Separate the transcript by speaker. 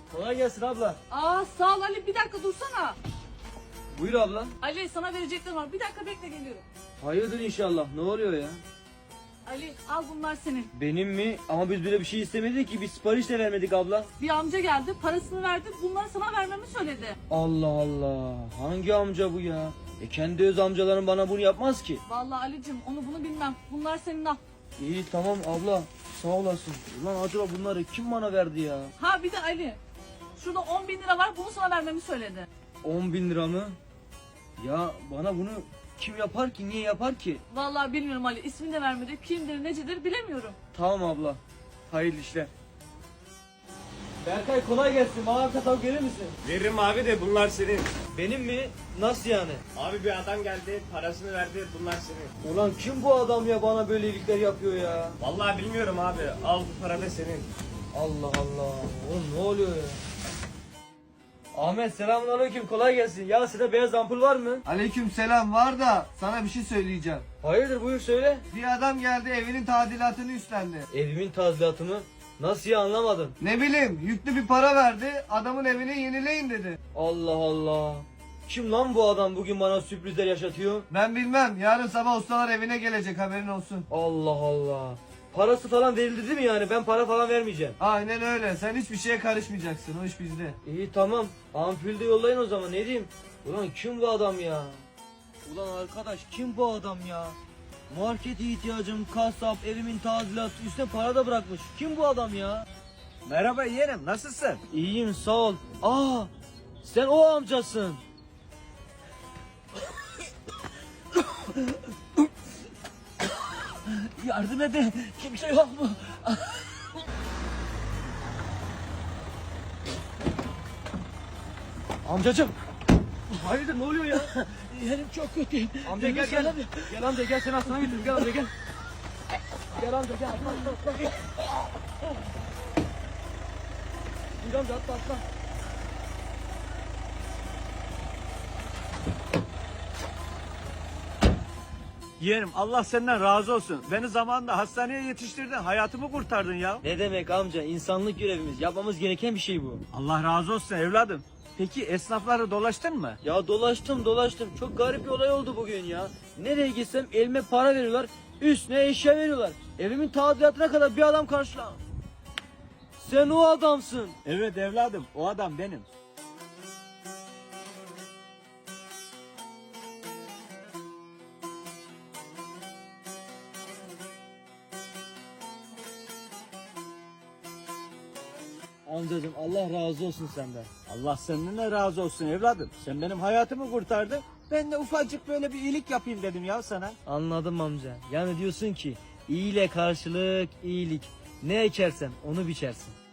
Speaker 1: Kolay gelsin abla.
Speaker 2: Sağ ol Ali, bir dakika dursana.
Speaker 1: Buyur abla.
Speaker 2: Ali, sana vereceklerim var, bir dakika bekle, geliyorum.
Speaker 1: Hayırdır inşallah. Ne oluyor ya?
Speaker 2: Ali, al, bunlar senin.
Speaker 1: Benim mi? Ama biz böyle bir şey istemedik ki. Biz sipariş de vermedik abla.
Speaker 2: Bir amca geldi, parasını verdi, bunları sana vermemi söyledi.
Speaker 1: Allah Allah. Hangi amca bu ya? Kendi öz amcalarım bana bunu yapmaz ki.
Speaker 2: Vallahi Ali'cim, onu bunu bilmem, bunlar senin, al.
Speaker 1: İyi tamam abla. Sağ olasın. Ulan acaba bunları kim bana verdi ya?
Speaker 2: Ha bir de Ali, şurada 10.000 lira var, bunu sana vermemi söyledi.
Speaker 1: 10.000 lira mı? Ya bana bunu kim yapar ki? Niye yapar ki?
Speaker 2: Vallahi bilmiyorum Ali, ismini de vermedi, kimdir necidir bilemiyorum.
Speaker 1: Tamam abla. Hayırlı işler. Berkay kolay gelsin. Bana katalog verir misin?
Speaker 3: Veririm abi de bunlar senin.
Speaker 1: Benim mi? Nasıl yani?
Speaker 3: Abi bir adam geldi, parasını verdi, bunlar senin.
Speaker 1: Ulan kim bu adam ya, bana böyle iyilikler yapıyor ya?
Speaker 3: Vallahi bilmiyorum abi, al bu para da senin.
Speaker 1: Allah Allah. Oğlum ne oluyor ya? Ahmet selamünaleyküm, kolay gelsin. Ya size beyaz ampul var mı?
Speaker 4: Aleyküm selam, var da sana bir şey söyleyeceğim.
Speaker 1: Hayırdır, buyur söyle.
Speaker 4: Bir adam geldi, evinin tadilatını üstlendi.
Speaker 1: Evimin tazminatı mı? Nasıl ya, anlamadım.
Speaker 4: Ne bileyim, yüklü bir para verdi, adamın evini yenileyin dedi.
Speaker 1: Allah Allah. Kim lan bu adam, bugün bana sürprizler yaşatıyor?
Speaker 4: Ben bilmem, yarın sabah ustalar evine gelecek, haberin olsun.
Speaker 1: Allah Allah. Parası falan verildi değil mi yani? Ben para falan vermeyeceğim.
Speaker 4: Aynen öyle, sen hiçbir şeye karışmayacaksın, o iş bizde.
Speaker 1: İyi tamam. Ampulde yollayın o zaman, ne diyeyim? Ulan kim bu adam ya? Ulan arkadaş kim bu adam ya? Markete ihtiyacım, kasap, evimin tadilatı, üstüne para da bırakmış. Kim bu adam ya?
Speaker 3: Merhaba yeğenim, nasılsın?
Speaker 1: İyiyim sağ ol. Aa, sen o amcasın. Yardım edin. Kimse yok mu? Amcacım. Hayırdır, ne oluyor ya?
Speaker 2: Yerim çok kötü.
Speaker 1: Amca gel gel. Gel amca gel, seni hastaneye götürün. Gel amca gel. Gel amca gel. Atla. Gel amca atla.
Speaker 3: Yeğenim Allah senden razı olsun. Beni zamanında hastaneye yetiştirdin, hayatımı kurtardın ya.
Speaker 1: Ne demek amca? İnsanlık görevimiz. Yapmamız gereken bir şey bu.
Speaker 3: Allah razı olsun evladım. Peki esnafları dolaştın mı?
Speaker 1: Ya dolaştım. Çok garip bir olay oldu bugün ya. Nereye gitsem elime para veriyorlar. Üstüne eşya veriyorlar. Evimin tadilatına kadar bir adam karşıla. Sen o adamsın.
Speaker 3: Evet evladım, o adam benim.
Speaker 1: Amcacım Allah razı olsun senden.
Speaker 3: Allah seninle razı olsun evladım. Sen benim hayatımı kurtardın. Ben de ufacık böyle bir iyilik yapayım dedim ya sana.
Speaker 1: Anladım amca. Yani diyorsun ki iyiyle karşılık iyilik. Ne ekersen onu biçersin.